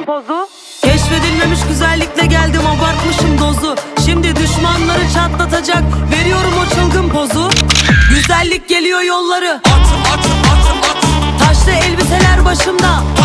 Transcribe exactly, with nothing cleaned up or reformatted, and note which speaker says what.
Speaker 1: çılgın pozu.
Speaker 2: Keşfedilmemiş güzellikle geldim, abartmışım dozu. Şimdi düşmanları çatlatacak, veriyorum o çılgın pozu. Güzellik geliyor yolları,
Speaker 3: At at at at.
Speaker 2: taşlı elbiseler başımda.